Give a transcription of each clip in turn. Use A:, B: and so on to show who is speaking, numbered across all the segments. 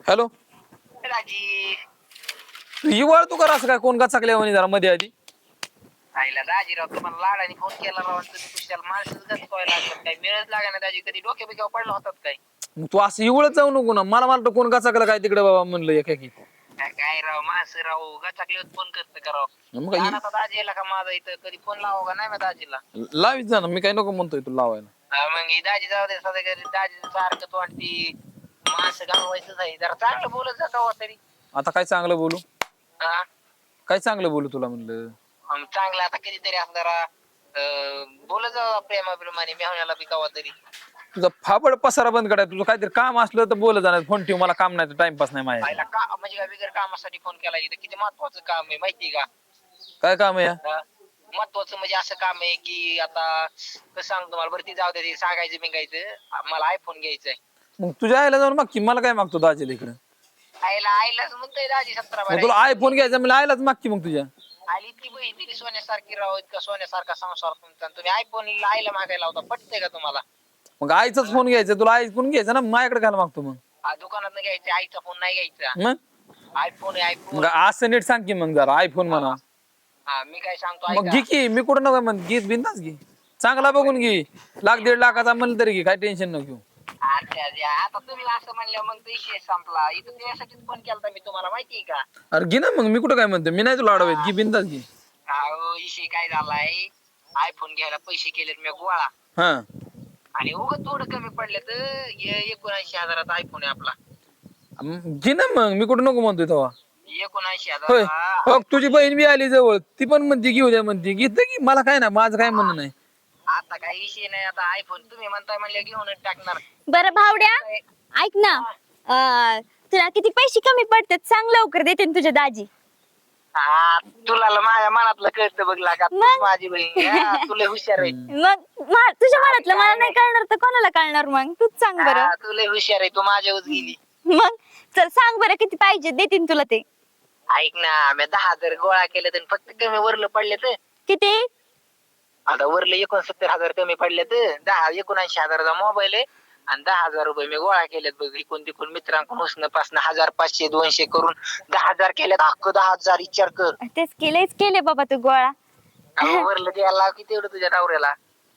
A: Hello
B: राजी
A: ही वळ तू कर असं काय कोण गचाकल्या म्हणे जरा मध्ये आधी
B: आईला राजीराव तुम्हाला लाडाने फोन केला राव आणि तुम्ही कुशाला माणसंच गचवायला लागतात काय मिळच लागा ना दाजी कधी डोक्या बिक्यावर पडला होतात काय
A: मग तू असं इवळत जाऊ नको ना मला मला कोण गचाकलं काय तिकडे बाबा म्हणलं एकाकी
B: काय राव माणसं राव गचाकले फोन करत का राव
A: मग काय
B: आता दाजी येला का माझा इथं कधी फोन लावा का नाही मी दाजीला
A: लावीत जा ना मी काय नको म्हणतोय तू लावायला
B: मग ही दाजी जाऊ दे सध्या घरी दाजी सारखं तो वाटती माणसं घालवायचंच आहे जरा चांगलं बोलत जा का तरी
A: आता काय चांगलं बोलू
B: हा
A: काय चांगलं बोलू तुला म्हणलं
B: चांगलं आता कधीतरी असं जरा बोलत जा प्रेमाप्रमाणे मेहण्याला बी कवा तरी
A: तुझा फाबड पसारा बंद करायचा तुझं काहीतरी काम असलं तर बोलत जाणार फोन ठेव मला काम नाही टाइमपास नाही माझ्या
B: आईला का म्हणजे काय बिगर कामासाठी फोन केला इथं किती महत्वाचं काम आहे माहिती का
A: काय काम आहे या?
B: महत्वाचं म्हणजे असं काम आहे की आता कसं सांगतो तुम्हाला बरं ती जाऊ दे सांगायचं बिंगायचं मला आयफोन घ्यायचंय
A: मग तुझ्या आईला जाऊन माग की मला काय मागतो दाजीला इकडे
B: आईलाच म्हणतोय दाजी 17
A: मग तुला आयफोन घ्यायचा मला आईलाच माग की मग तुझ्या
B: आईला इतकी बहीण दिली सोन्यासारखी राहू इतका सोन्यासारखा संसार तुमचा आणि तुम्ही आयफोन आईला मागायला होता पटतंय का तुम्हाला
A: मग आईचाच फोन घ्यायचा तुला आयफोन घ्यायचा ना माझ्याकडे घाल मागतो मग
B: दुकानात घ्यायचा आईचा फोन नाही घ्यायचा
A: मग
B: आयफोन आहे आयफोन
A: मग असं नीट सांग की मग जरा आयफोन म्हणा
B: हा मी काय सांगतो
A: मग घे की मी कुठं नको म्हण घे बिंदास घे चांगला बघून घे 1,00,000-1,50,000 म्हणलं तरी घे काय टेन्शन नको घेऊ
B: आता तुम्ही असं म्हणलं मग तो विषय संपला इथं त्यासाठीच फोन केला मी तुम्हाला माहितीये का
A: अरे घे ना मग मी कुठं काय म्हणतो मी नाही तुला अडवत घे बिंदास घे
B: अहो विषय काय झालाय आयफोन घ्यायला पैसे केलेत मी गोळा
A: हा
B: आणि उगाच थोडं कमी पडले तर 79,000 आयफोन आहे आपला
A: घे ना मग मी कुठं नको म्हणतोय तेव्हा
B: 79,000
A: होय हो तुझी बहीण बी आली जवळ ती पण म्हणते घेऊ द्या म्हणते घेत की मला काय ना माझं काय म्हणणं नाही
B: आता काही विषय नाही आता आयफोन तुम्ही म्हणताय म्हणले घेऊनच टाकणार
C: बरं भावड्या ऐक ना तुला किती पैसे कमी पडतात सांग लवकर देते ना तुझ्या दाजी
B: तुला माझ्या मनातलं कळतं बघ लागा तूच माझी बहीण तुला हुशार आहे
C: मग तुझ्या मनातलं मला नाही कळणार तर कोणाला कळणार मग तूच सांग बरं
B: तुला हुशार आहे तू माझ्यावर गेली
C: मग चल सांग बरं किती पाहिजे देतीन तुला ते
B: ऐक ना मी 10,000 गोळा केले तर फक्त कमी वरलं पडले तर
C: किती
B: आता वरले 69,000 कमी पडले तर 79,000चा मोबाईल आहे आणि 10,000 रुपये मी गोळा केलेत बघ इकून तिकून मित्रांकडून उसनं पासनं 1,000 500 200 करून 10,000 केलेत अख्खं 10,000 विचार कर
C: तेच केले बाबा तू गोळा
B: वरलं द्यायला लाव किती एवढं तुझ्या नवऱ्याला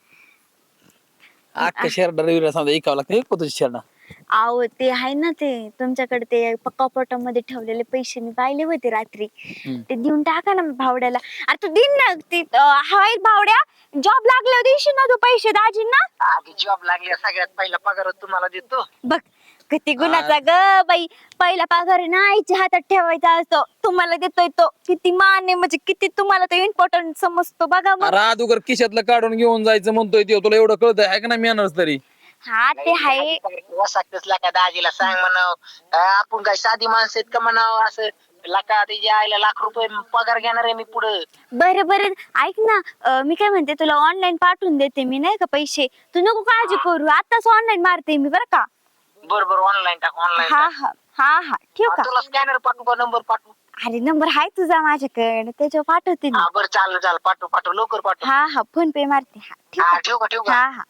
A: अख्खा शेरडा रविला समजा ऐकावं लागतं एक तुझी शेरडा
C: आहो ते आहे ना ते तुमच्याकडे ते कपाटामध्ये ठेवलेले पैसे मी पाहिले होते रात्री ते देऊन टाका ना भावड्याला अरे तू दिन ना ते हाय भावड्या जॉब लागल्यावर देशील ना तू पैसे दाजींना
B: आधी जॉब लागल्या सगळ्यात पहिला पगार तुम्हाला देतो
C: बघ किती गुणाचा ग बाई पहिला पगार आहे ना आईच्या हातात ठेवायचा असतो तुम्हाला देतोय तो किती मान आहे म्हणजे किती तुम्हाला तो इम्पॉर्टंट समजतो बघा मग
A: अगोदर खिशातलं काढून घेऊन जायचं म्हणतोय ते तुला एवढं कळतंय आहे का नाही मेहनत तरी
C: हा ते आहे
B: वसाकतच का दाजीला सांग म्हणाव आपण काय साधी माणसं आहेत का म्हणाव असं लाका तिच्या आईला ₹1,00,000 पगार घेणार आहे मी पुढं
C: बरं ऐक ना मी काय म्हणते तुला ऑनलाईन पाठवून देते मी नाही का पैसे तू नको काळजी करू आताच ऑनलाईन मारते मी बरं का
B: बरोबर ऑनलाईन टाक ऑनलाईन
C: हा ठेव का
B: तुला स्कॅनर पाठवू का नंबर पाठवू
C: अरे नंबर आहे तुझा माझ्याकडे त्याच्यावर पाठवते मी
B: बरं चालेल पाठव लवकर पाठव
C: हा फोन पे मारते हा ठेव का
B: ठेव का
C: हा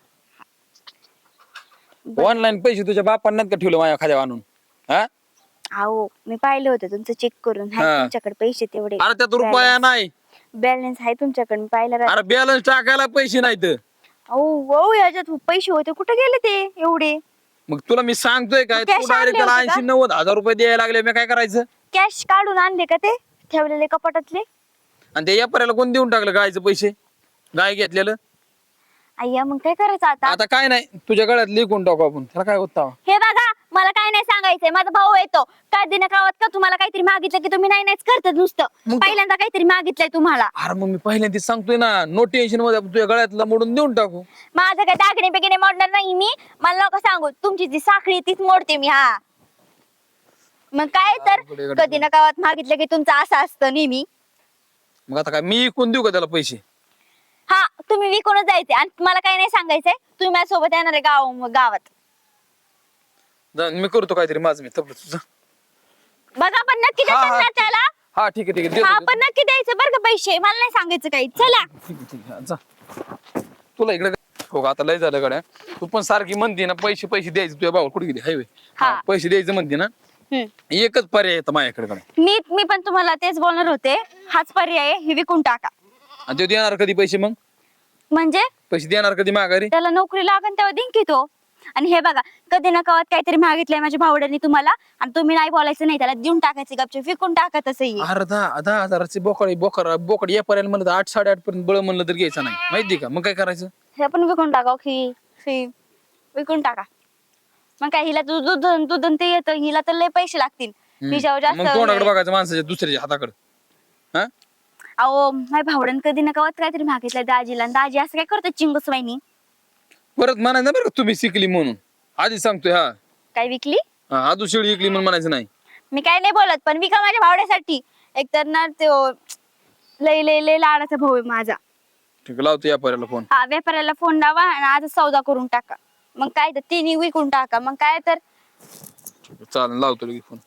A: ऑनलाईन पैसे तुझ्या बापांना का ठेवलं माझ्या खाद्या आणून हा
C: अहो मी पाहिलं होतं तुमचं चेक करून
A: हा.
C: आहे तुमच्याकडे पैसे तेवढे
A: अरे त्यात रुपया नाही
C: बॅलन्स आहे तुमच्याकडे मी पाहिलं
A: अरे बॅलन्स टाकायला पैसे नाहीत
C: अहो याच्यात पैसे होते कुठे गेले ते एवढे
A: मग तुला मी सांगतोय काय
C: तू cash
A: तू डायरेक्ट त्याला
C: आणले होते
A: 80-90 हजार रुपये द्यायला लागले मी काय करायचं
C: कॅश काढून आणले का ते ठेवलेले कपाटातले
A: आणि ते व्यापाऱ्याला कोण देऊन टाकलं गायचं पैसे गाय घेतलेलं
C: अय्या मग काय करायचं
A: आता काय नाही तुझ्या गळ्यात लिहून टाकू आपण त्याला काय होता
C: हे बघा मला काय नाही सांगायचंय माझा भाऊ येतो काय दिन गावात का तुम्हाला काहीतरी मागितलं की तुम्ही नाहीच करतात नुसतं
A: मग
C: पहिल्यांदा काहीतरी मागितलंय तुम्हाला
A: अरे मग मी पहिल्यांदा सांगतोय ना नो टेन्शन मध्ये आपण तुझ्या गळ्यातला मोडून देऊन टाकू
C: माझं काय दागिने बिगिने मोडणार नाही मी मला नका सांगू तुमची जी साखळी तीच मोडते मी हा मग काय तर कधी ना गावात मागितलं की तुमचं असं असतं नेहमी
A: मग आता काय मी कोण देऊ का त्याला पैसे
C: हा तुम्ही विकूनच जायचे आणि मला काही नाही सांगायचंय तुम्ही माझ्यासोबत येणार आहे गावात
A: मी करतो काहीतरी माझं मी तपलं तुझं
C: बघा पण नक्की
A: हा,
C: देतात ना त्याला
A: हा ठीक आहे देतो,
C: हा
A: देतो.
C: पण नक्की द्यायचं बरं का पैसे मला नाही सांगायचं काही चला
A: ठीक आहे जा तुला इकडे हो आता लय झालं गड्या तू पण सारखी म्हणते ना पैसे द्यायचे तुझ्या भाऊ कुठे गेली हायवे
C: हा.
A: पैसे द्यायचं म्हणते ना एकच पर्याय येतं माझ्याकडे
C: मी पण तुम्हाला तेच बोलणार होते, हाच पर्याय आहे, हे विकून टाका.
A: आणि ते देणार कधी पैसे? मग
C: म्हणजे
A: पैसे देणार कधी माघारी?
C: त्याला नोकरी लागन तेव्हा देईन की तो. आणि हे बघा, कधी ना कवत काहीतरी मागितलंय माझ्या भावड्याने तुम्हाला, आणि तुम्ही नाही बोलायचं नाही, त्याला देऊन टाकायचे गपचूप, विकून टाका तसंही.
A: अरे 10,000ची बोकड या पर्यंत म्हणलं 8-8.5 पर्यंत बळ म्हणलं तर घ्यायचं नाही, माहिती का? मग काय करायचं?
C: हे पण विकून टाका ही विकून टाका. मग काय, हिला दूध ते येतं, हिला तर लय पैसे लागतील. हिच्यावर जास्त
A: मग तोंडाकडे बघायचं माणसाच्या दुसऱ्याच्या हाताकडे. हा
C: अहो माझ्या भावड्यानं कधी ना कवत काहीतरी मागितलंय दाजीला, आणि दाजी असं काय करतो चिंगूस वाहिनी.
A: परत म्हणायचं ना बरं का तुम्ही शिकली म्हणून, आधी सांगतोय. हा
C: काय विकली?
A: आजू शेळी विकली म्हणून म्हणायचं नाही.
C: मी काय नाही बोलत, पण विका माझ्या भावड्यासाठी. एकतर ना तो लय लय लय लाडाचा भाऊ आहे माझा.
A: ठीक आहे, लावतो या पर्याला फोन.
C: हा, व्यापाऱ्याला फोन लावा आणि आज सौदा करून टाका. मग काय तर तिन्ही विकून टाका. मग काय तर
A: चालेल, लावतो लगेच फोन.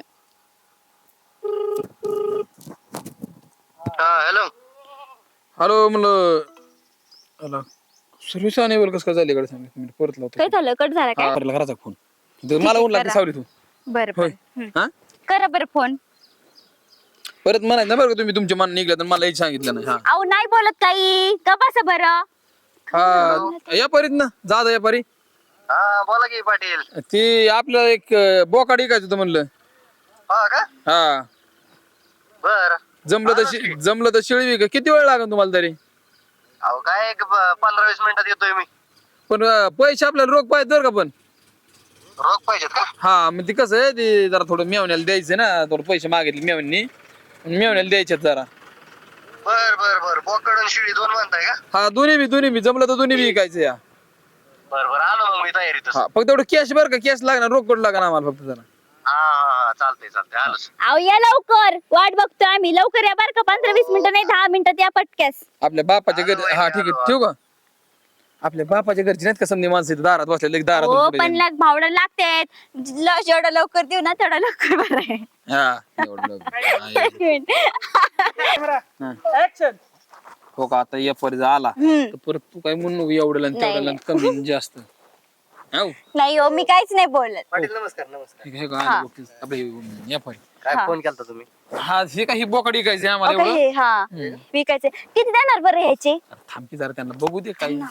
B: हॅलो.
A: हॅलो म्हणलं, सर्व्हिस अनेबल कसं काय झाली कडे सांग, परत लावतो.
C: काय झालं, कट झाला काय?
A: घराचा फोन मला ऊन लागते सावली तू.
C: बरं
A: होय.
C: बरं
A: हा
C: करा बरं फोन.
A: परत म्हणायचं ना बरं का तुम्ही तुमच्या मन निघलं तर मला हेच सांगितलं नाही. हा
C: अहो नाही बोलत काही, का बस बरं.
A: हा या परीत ना, जा या परी.
B: हा बोला की पाटील.
A: ते आपलं एक बोकाड ऐकायचं होतं म्हणलं.
B: हा का?
A: हा
B: बर.
A: जमलं तर शेळी विका. किती वेळ लागेल तुम्हाला तरी?
B: अहो काय 15-20 मिनिटात येतोय मी.
A: पण पैसे आपल्याला रोख पाहिजे बरं का. पण
B: रोख पाहिजेत का?
A: हा मग ते कसं आहे, ते जरा थोडं मेवण्याला द्यायचं ना, थोडं पैसे मागितले मेवण्याला द्यायचे जरा.
B: बर बोकड आणि शिळी दोन म्हणताय का?
A: हा दोन्ही बी जमलं तर दोन्ही बी विकायचं या.
B: बर आलो मग मी तयारीतच.
A: हा फक्त एवढं कॅश बरं का, कॅश लागणार, रोकड लागणार आम्हाला फक्त जरा.
B: हा चालतंय आलोच.
C: अहो या लवकर, वाट बघतोय आम्ही. लवकर या बरं का, 15-20 मिनिटं नाही, 10 मिनिटात या पटक्यास.
A: आपल्या बापाच्या घरी. हा ठीक आहे, ठेवू का? आपल्या बापाच्या घरची नाहीत का समधी माणसं इथं दारात बसलेले,
C: हो
A: दारात
C: पण भावडा लागते, जेवढं लवकर देऊ ना तेवढं लवकर बरं आहे.
A: हा एवढं लवकर.
D: ऍक्शन.
A: हो का, आता या पर्यंत आला तर परत तू काय म्हणू नको एवढं आणि तेवढं आणि कमी आणि जास्त. हाव.
C: नाही हो, मी काहीच नाही बोलत.
B: पाटील नमस्कार.
A: ठीक आहे का? आले बघ, आपले या पर्यंत.
B: काय फोन केलता तुम्ही?
A: हा हे काही बोकड विकायचे आम्हाला
C: ओके,
A: एवढं.
C: हा विकायचे. किती देणार बरं ह्याचे?
A: अरे थांबकी जरा, त्यांना बघू दे काही.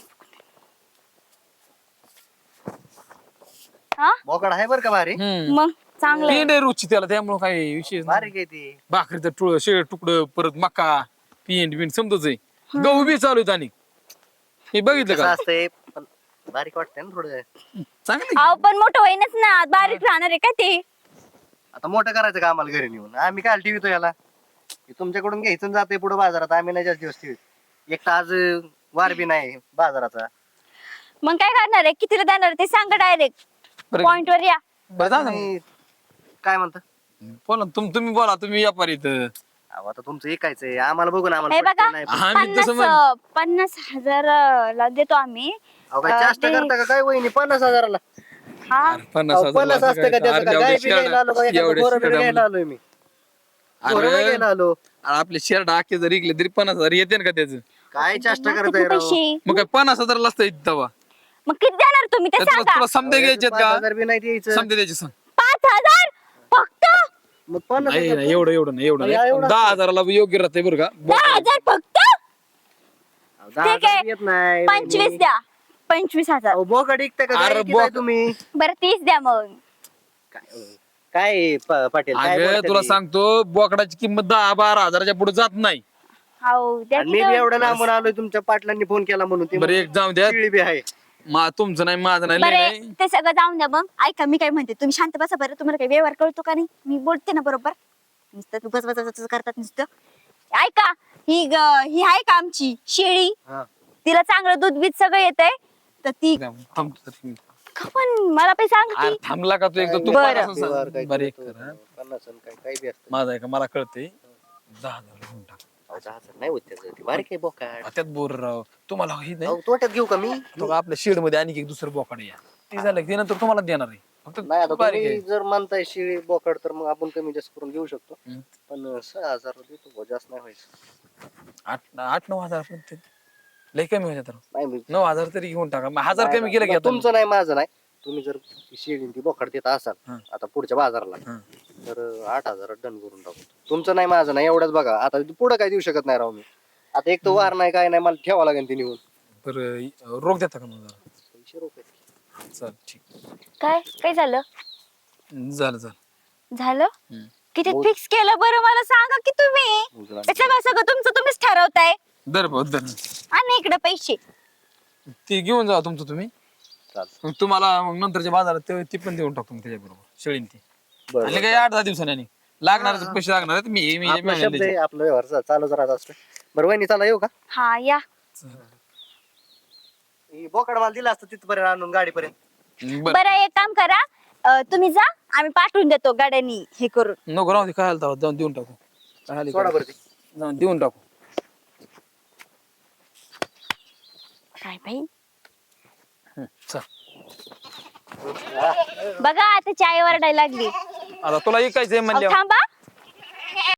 C: हा
B: बोकड आहे बर का भारी.
C: मग चांगलं आहे.
A: पेंड आहे रुची त्याला, त्यामुळे काही विशेष नाही.
B: भारी काय ती.
A: भाकरीचं शेळ तुकडं, परत मका, पेंड समजच आहे. गहू बी चालू आहेत. आणि हे बघितलं
B: कसं
A: का?
B: असतंय पण बारीक वाटतंय ना थोडं.
A: चांगलं
C: अहो पण मोठं होईनच ना, बारीक राहणार आहे का ते?
B: आता मोठं करायचं का आम्हाला घरी नेऊन? आम्ही काय ठेवतो याला? हे तुमच्याकडून घ्यायचं जाते पुढे बाजारात. आम्ही नाही जास्त दिवस ठेवत. एक तर आज वार बी नाही बाजाराचा.
C: मग काय करणार आहे, कितीला देणार ते सांगा डायरेक्ट.
A: बरं.
C: पॉइंट वर या.
A: बरं जा ना.
B: तुम्ही काय म्हणता?
A: बोला तुम्ही बोला, तुम्ही या पर्यंत.
B: अहो, आता तुमचं ऐकायचंय आम्हाला. बघून
C: हे
B: आम्हाला
C: बघा,
B: पटतंय नाही.
A: आम्ही तसं म्हण-
C: 50,000 ला देतो आम्ही.
B: अहो काय चेष्टा
C: ते-
B: करता का काय वहिनी? 50,000ला?
C: हा
A: 50,000
B: 50 असतं का त्याचं? काय गाय बी घ्यायला आलो का? एखादं पोरं बी घ्यायला आलोय मी. पोरं बी घ्यायला आलो.
A: आपले शर्ट आखे जर इकले तरी 50,000 येते ना का त्याचं?
B: काय चेष्टा
C: किती
B: करताय राव?
C: पैसे?
A: मग काय 50,000 असतं इथं तेव्हा.
C: मग किती देणार तुम्ही ते
A: त्यात
C: सांगा.
A: तुला समजे घ्यायचेत का?
B: 5,000 बी नाही द्यायचं.
A: समजे द्यायचे सांग.
C: 5,000 फक्त?
B: मग 50,000
A: नाही नाही, एवढं नाही.
B: या, एवढं
A: 10,000ला योग्य राहते बरं का.
C: 10,000 फक्त?
B: अहो, 10,000
C: ठीक आहे.
B: येत नाही.
C: 25 द्या. 25,000.
B: अहो, बोकड ऐकताय का?
A: अरे
B: काय ऐकताय
A: बोक-
B: तुम्ही?
C: बरं 30 द्या मग.
B: काय पाटील काय
A: अगं
B: बोलताय
A: तुला
B: ते?
A: सांगतो, बोकडाची किंमत 10-12 हजाराच्या पुढे जात नाही.
C: हो द्या
B: आणि
C: की
B: मी बी
C: तेवढं.
B: एवढं लांबून आलोय, तुमच्या पाटलांनी फोन केला म्हणून. ते
A: बरं एक जाऊ द्या.
B: शिळी बी आहे.
A: तुमचं नाही, माझं नाही, लय नाही.
C: बरं ते सगळं जाऊन द्या. मग ऐका, मी काय म्हणते, तुम्ही शांत बसा बरं. तुम्हाला काही व्यवहार कळतो का नाही? मी बोलते ना बरोबर. नुसतं तू बस करतात नुसतं. ऐका, ही आहे का आमची शेळी?
B: हा.
C: तिला चांगलं दूध बीज सगळं येतंय, तर ती
A: थांबतो तरी.
C: पण मला पण सांग
A: अरे
C: की.
A: थांबला का तू एकदा? तू
C: बरं.
A: 50 सांग.
B: व्यवहार काय
A: बरं एक
B: करतो?
A: कर, हा.
B: 50 आणि काय बी असतं.
A: माझं आहे का, मला कळते. 10,000 घेऊन टाक.
B: अहो, 10,000 नाही होत त्याचं. ते बारीक आहे बोकाड.
A: त्यात बोर राव तुम्हाला हे नाही.
B: अहो, तोट्यात घेऊ का मी?
A: तो का आपल्या शेड मध्ये आणि एक दुसरं बोकाड या ते झालं की ते नंतर तुम्हाला देणार आहे. फक्त
B: नाही आता
A: बारीक
B: तुम्ही
A: आहे.
B: जर म्हणताय शिळी बोकड तर मग आपण कमी जास्त करून घेऊ शकतो.
A: हम्म.
B: पण 6,000 देतो बुवा, जास्त नाही व्हायचं.
A: 8-9 हजार पर्यंत लय कमी होते तर.
B: नाही मी
A: 9,000 तरी घेऊन टाका. 1,000 कमी केलं की आता.
B: तुमचं नाही माझं नाही.
D: तुम्ही जर शेळी ती बोकड देत असाल
A: हं.
D: आता पुढच्या बाजाराला
A: हं.
D: तर 8,000 डन करून टाकू. तुमचं नाही माझं नाही एवढंच बघा. आता पुढे काय देऊ शकत नाही राव मी. आता एक तर वार नाही काय नाही मला ठेवावं लागेल ती निघून.
A: बरं रोख देता का मग जरा?
D: पैसे रोखायचे.
A: चालेल ठीक
C: काय काय झालं
A: झालं झालं.
C: झालं
A: हम्म.
C: किती
D: हो.
C: फिक्स केलं बरं मला सांगा की तुम्ही
D: उजळा.
C: ते सगळं सगळं तुमचं तुम्हीच ठरवताय
A: दर भाऊ दर
C: आणि इकडे पैसे
A: ते घेऊन जा तुमचं तुम्ही.
D: चालतं.
A: मग तुम्हाला मग नंतरच्या बाजारात ती पण देऊन टाकतो मी त्याच्याबरोबर शेळीन ती.
D: बरं,
A: आणि
D: बरं.
A: काय 8-10 दिवसांनी आणि लागणारे पैसे लागणार आहेत. मी
D: आपला शब्द आहे आपला व्यवहार चालूच राहत असतो. बरं वहिनी चला येऊ का
C: हा या
D: ही बोकड मला दिला असतं तिथपर्यंत आणून गाडीपर्यंत.
A: बरं
C: बरं एक काम करा तुम्ही जा आम्ही पाठवून देतो गाड्यांनी हे करून
A: नको राहू दे काय आलं तेव्हा जाऊन देऊन टाकू. काय आली
D: सोडा
A: काय?
D: बरं ती.
A: जाऊन देऊन टाकू.
C: काय भाई
A: चल
C: बघा आता चाय वरडायला लागली
A: आता तुला ऐकायचंय
C: अहो,
A: म्हणल्यावर
C: थांबा